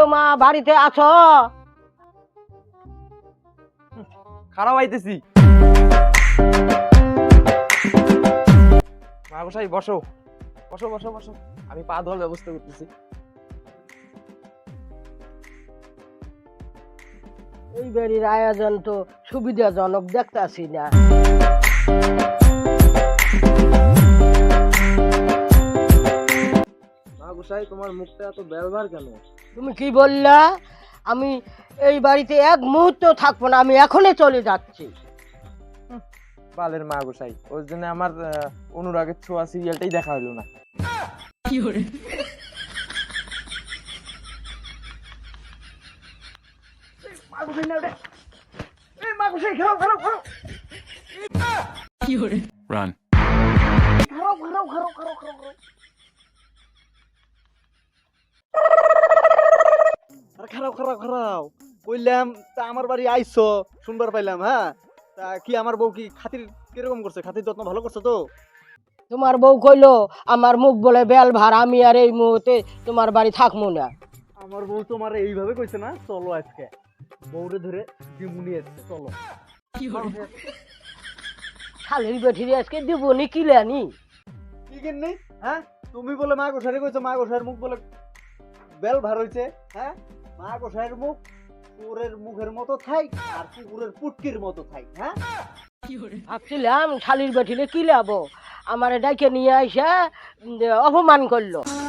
মা বাড়িতে আছো? খারাপ আইতেছি। মা গোসাই বসো বসো বসো বসো, আমি পা ধোয়ার ব্যবস্থা করতেছি। এই বাড়ির আয়োজন তো সুবিধাজনক দেখতাছি না। মা গোসাই তোমার মুখটা এত ব্যবহার কেন? তুমি কি বললা? আমি এই বাড়িতে এক মুহূর্ত থাকবো না, আমি এখনই চলে যাচ্ছি। বালের মা গোসাই, ওর জন্য আমার অনুরাগের ছোঁয়া সিরিয়ালটাই দেখা হলো না। Run. খারাপ খারাপ খারাপ কইলাম তা আমার বাড়ি আইছো শুনবার পাইলাম। হ্যাঁ, তা কি আমার বউ কি খাতির কিরকম করছে? খাতির যত্ন ভালো করছে তো? তোমার বউ কইলো আমার মুখ বলে বেল ভার, আমি আর এই মুহূর্তে তোমার বাড়ি থাকবো না। আমার বউ তোমার এইভাবে কইছে না? চলো আজকে বউরে ধরে দিমুনি আসছে, চলো। শালের বেঠিরে আজকে দেবনি কিলানি। কি কিননি? হ্যাঁ, তুমি বলে মা গোসাইরে কইছো মা গোসাইয়ের মুখ বলে বেল ভার হইছে। হ্যাঁ, মা গোসাইয়ের মুখ কুকুরের মুখের মতো থাই আর কুকুরের পুটকির মতো থাই। হ্যাঁ, ভাবছিলাম শালির বেঠিরে কিলাবো, আমার ডাইকে নিয়ে আইসা অপমান করলো।